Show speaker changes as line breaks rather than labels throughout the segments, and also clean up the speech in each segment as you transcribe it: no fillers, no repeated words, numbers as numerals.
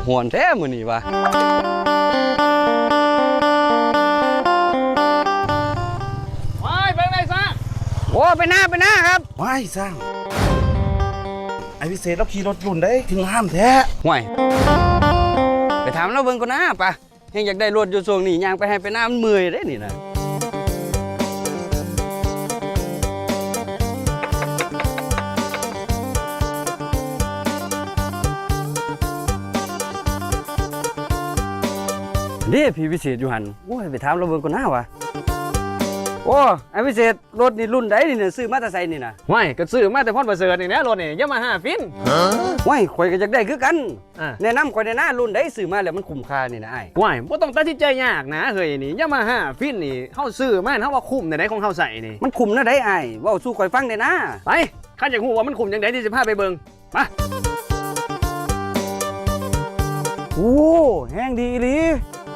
หวนแท้มื้อนี้วะ
ไปไหนซะ
โอ้ไปหน้าครับ
ไม่สร้างไอ้พิเศษเราขี่รถรุ่นได้ถึงห้ามแท้
ห่วยไปถามเราเบิ่งก่อนนะปะเฮงอยากได้รถอยู่ช่วงนี้ย่างไปให้ไปหน้ามันเมื่อยได้นี่นะเด้พี่พิเศษอยู่หันโอ้ยไปถามเราเบิ่งก่อนนะวะโอ้ไอ้พิเศษรถนี่รุ่นใดนี่เนี่ยซื้อมาแต่ไสนี่นะ
ไม่ก็ซื้อมาแต่พ่อนประเสริฐนี่นะรถนี่Yamahaฟิน
ว้ายข่อยก็อยากได้คือกัน
แนะนำ
ข่อยในหน้ารุ่นใดซื้อมาแล้วมันคุ้มค่านี่นะไอ้
ว้ายบ่ต้องตัดสินใจยากนะเฮ้ยนี่Yamahaฟินนี่เฮาซื้อมาเฮาว่าคุ้มในไหนของเฮาใส่นี่
มันคุ้มนะได้ไอ้เว้าสู้ข่อยฟังได้นะ
ไปข้าอยากรู้ว่ามันคุ้มจังได๋ที่สิพาไปเบิ่งมา
โอ้แห้งดีอีหลี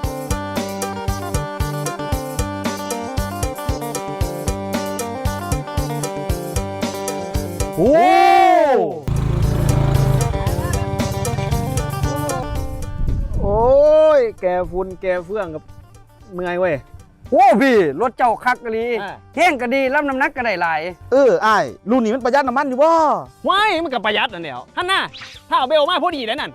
โอ้
โอ้ยแกฝุ่นแกเฟื่องกับเมื่อยเว้ย
โอ้พี่รถเจ้าคักกะลีแห้งก็ดีรับน้ำหนักก็ได้หลาย
อ้ายรุ่นนี้มันประหยัดน้ำมันอยู่บ่
ว้ายมันก็ประหยัดนั่นแหละหั่นน่ะถ้าเอาเบลมาพอดีแล้วนั่น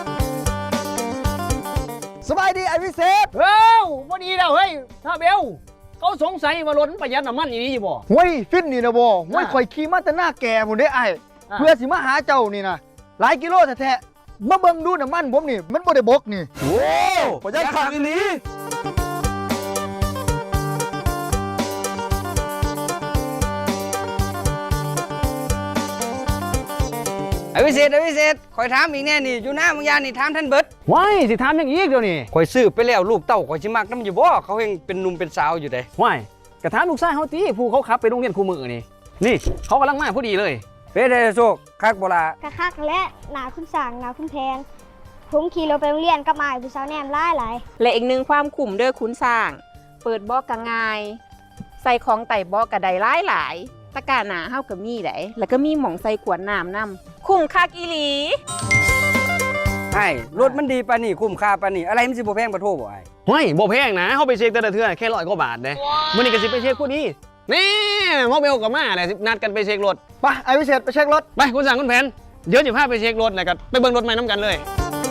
สบายดีไอ้พิเศษ
พอดีแล้วเฮ้ยถ้าเบลเขาสงสัยว่ารถประหยัดน้ำมันอีนี้อยู่บ่
เฮ้ยฟินนี่นะบ่เฮ้ยข่อยขี่มาแต่หน้าแก่หมดเด้ไอ้เพื่อสิมาหาเจ้านี่นะหลายกิโลแท้ๆมาเบิ่งดูน้ำมันผมนี่มันบ่ได้บกนี่
โอ้
ประหยัดคักอีหลี
ไอ้พิเศษข่อยถามอีกแน่นี่อยู่หน้ามึงยานี่ถามท่านเบิด
ว้ายสิถามอย่างอีกเดี๋ยวนี้
ข่อยซื้อไปแล้วลูกเต้าข่อยสิมักนำอยู่บ่เขาเฮงเป็นหนุ่มเป็นสาวอยู่เด้
ว้ายกระถามลูกชายเฮาติผู้เขาขับไปโรงเรียนคู่มือนี่เขากำลังมาพอดีเลย
เป็นได้โชคคักบ่ล่ะ
คักและหนาคุณสั่งหนาคุณแพงผมขี่รถไปโรงเรียนกับอ้ายผู้สาวแนมหลาย
และอีกหนึ่งความคุ้มเด้อคุณสร้างเปิดบอกก็ง่ายใส่ของไต่บอกก็ได้หลายตะกร้าหนาเฮาก็มีได้แล้วก็มีหม่องใส่ขวดน้ำนำคุ้มคักอีหลี
ไอ้รถมันดีปานนี่คุ้มค่าปานนี่อะไรมันสิบ่แพงบ่โทบ่ไอ้
เฮ้ยบ่แพงนะเฮาไปเช็คแต่ละเทื่อแค่100 กว่าบาทเด้มื้อนี้ก็สิไปเช็คผู้นี้นี่หมอเบลก็มาแหละนัดกันไปเช็ครถ
ไปไอ้พิเศษไปเช็ครถ
ไปคุณสั่งคุณแผนเดี๋ยวสิพาไปเช็ครถแล้วก็ไปเบิ่งรถใหม่นํกันเลย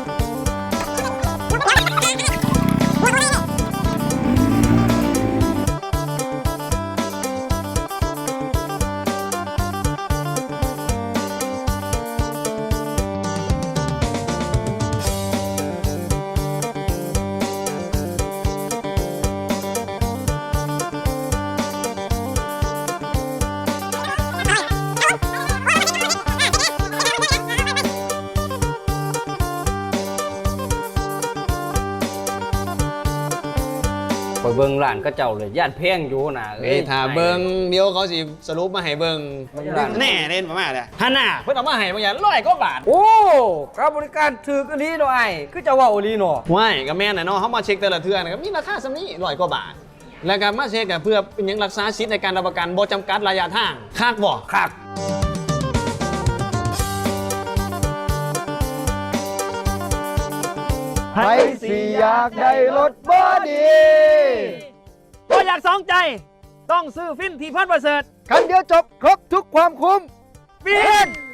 ข่อยเบิ่งร้านก็เจ้าเลยย่านแพงอยู่น่ะ
ถ้าเบิ่งเดี๋ยวเขาสิสรุปมาให้เบิ่งแน่เล่นประมาณน่ะหั่นน่ะเพิ่นเอามาให้บางอย่าง100 กว่าบาท
โอ้ค่าบริการถูกอีหลีเนาะไอ้คือจะเว้าอีหลีเนาะ
ว้ายก็แม่นน่ะเนาะเฮามาเช็คแต่ละเทื่อนะครับมีราคาส่ำนี้100 กว่าบาทแล้วก็มาเช็คก็เพื่อเป็นหยังรักษาสิทธิ์ในการรับประกันบ่จำกัดระยะทางคักบ่
คัก
ใครสิอยากได้รถบ่ดี
บ่อยากสองใจต้องซื้อฟินที่พันประเสริฐ
คันเดียวจบครบทุกความคุ้ม
ฟิน